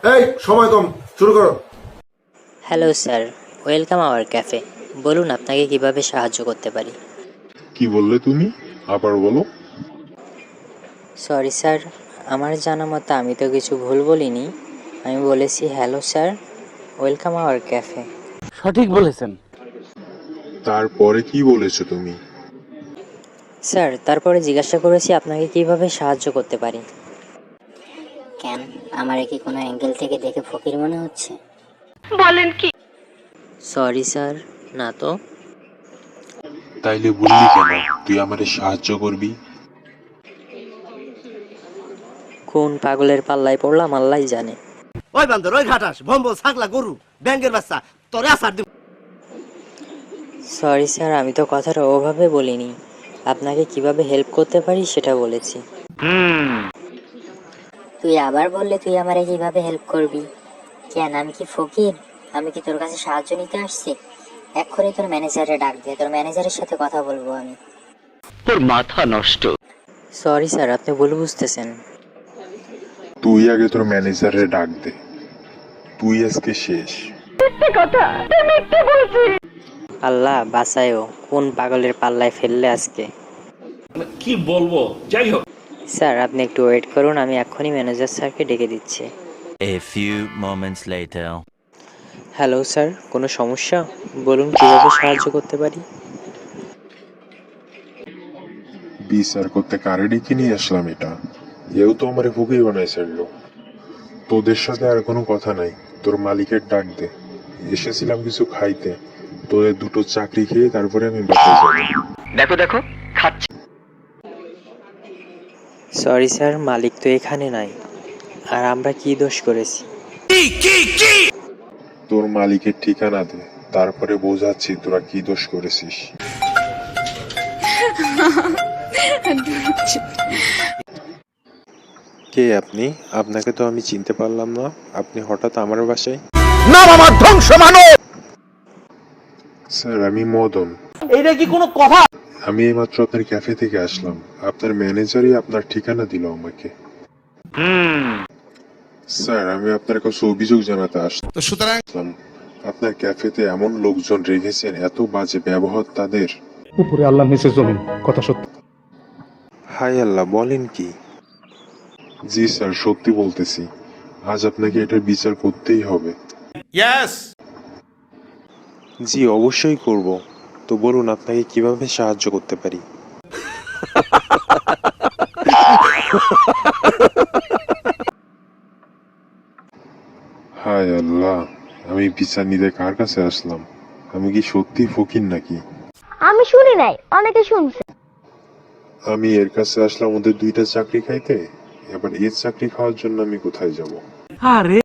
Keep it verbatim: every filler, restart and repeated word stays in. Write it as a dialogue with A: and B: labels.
A: এই সময় কম, শুরু করো।
B: Hello sir, welcome our cafe. বলুন আপনাকে কিভাবে সাহায্য করতে পারি।
C: কি বললে তুমি? আবার বলো।
B: সরি স্যার, আমার জানা মতো আমি তো কিছু ভুল বলিনি। আমি বলেছি hello sir, welcome our cafe.
D: সঠিক বলেছেন।
C: তারপরে কি বলেছো তুমি?
B: স্যার তারপরে জিজ্ঞাসা করেছি আপনাকে কিভাবে সাহায্য করতে পারি।
E: কেন, আমার কি কোনো অ্যাঙ্গেল থেকে দেখে ফকির মনে হচ্ছে?
B: সরি স্যার, না তো।
C: তাইলে বললি কেন তুই আমারে সাহায্য করবি?
B: কোন পাগলের পাল্লায় পড়লাম আল্লাহ জানে।
F: ওই বান্দর, ওই ঘাটাস, ভম্বল, ছাগলা, গরু, ব্যাঙ্গের বাচ্চা, তোরে আসার দিব।
B: সরি স্যার, আমি তো কথাটা ওভাবে বলিনি। আপনাকে কিভাবে হেল্প করতে পারি সেটা বলেছি।
E: তুই আবার বললে তুই আমারে কিভাবে হেল্প করবি? কেন, আমি কি ফকির? আমি কি তোর কাছে সাহায্য নিতে আসছি? এক্ষুনি তোর ম্যানেজারে ডাক দে, তোর ম্যানেজারের সাথে কথা বলবো আমি।
D: তোর মাথা নষ্ট।
B: সরি স্যার, আপনি ভুল বুঝতেছেন।
C: তুই আগে তোর ম্যানেজারে ডাক দে, তুই আজকে শেষ।
B: আল্লাহ বাঁচায়ও, কোন পাগলের পাল্লায় ফেললে আজকে।
G: কি বলবো, যাই হোক।
B: স্যার আপনি একটু ওয়েট করুন, আমি এক্ষুনি ম্যানেজার স্যারকে ডেকে দিচ্ছি।
H: A few moments later.
B: Hello sir, কোনো সমস্যা? বলুন কীভাবে সাহায্য করতে পারি।
C: বিচার করতে কারে ডেকে নিয়ে আসলাম এটা? এও তো আমারে ফকির বানাই ছাড়লো। তোদের সাথে আর কোনো কথা নাই, তোর মালিকের ডাক দে। এসেছিলাম কিছু খাইতে, তোদের দুটো চাকরি খেয়ে তারপরে আমি বাসায় যাবো।
D: দেখো দেখো খাচ্ছি।
B: সরি স্যার, মালিক তো এখানে নাই। আর আমরা কি দোষ করেছি?
C: তোর মালিকের ঠিকানা দে, তারপরে বোঝাচ্ছি তোরা কি দোষ করেছিস। কে আপনি? আপনাকে তো আমি চিনতে পারলাম না, আপনি হঠাৎ আমার বাসায়?
F: নাম আমার ধ্বংস মানব।
C: স্যার আমি মদন।
F: এইটা কি কোনো কথা?
C: আমি এইমাত্র আপনার ক্যাফে থেকে আসলাম, আপনার ম্যানেজারই আপনার ঠিকানা দিল আমাকে। স্যার আমি আপনার কাছে অভিযোগ জানাতে আসলাম, আপনার ক্যাফেতে এমন লোকজন রেখেছেন, এত বাজে ব্যবহার তাদের।
I: উপরে আল্লাহ নিচে জমিন, কথা সত্যি।
C: হাই আল্লাহ, বলেন কি? জি স্যার সত্যি বলতেছি, আজ আপনাকে এটার বিচার করতেই হবে। জি অবশ্যই করব। তো বলুন আপনাকে কিভাবে সাহায্য করতে পারি? হায় আল্লাহ, আমি বিচার নিতে কার কাছে আসলাম? আমি কি সত্যি ফকির নাকি?
J: আমি শুনি নাই, অনেকে শুনছে।
C: আমি এর কাছে আসলাম ওদের দুইটা চাকরি খাইতে, এবার এর চাকরি খাওয়ার জন্য আমি কোথায় যাব?
F: আরে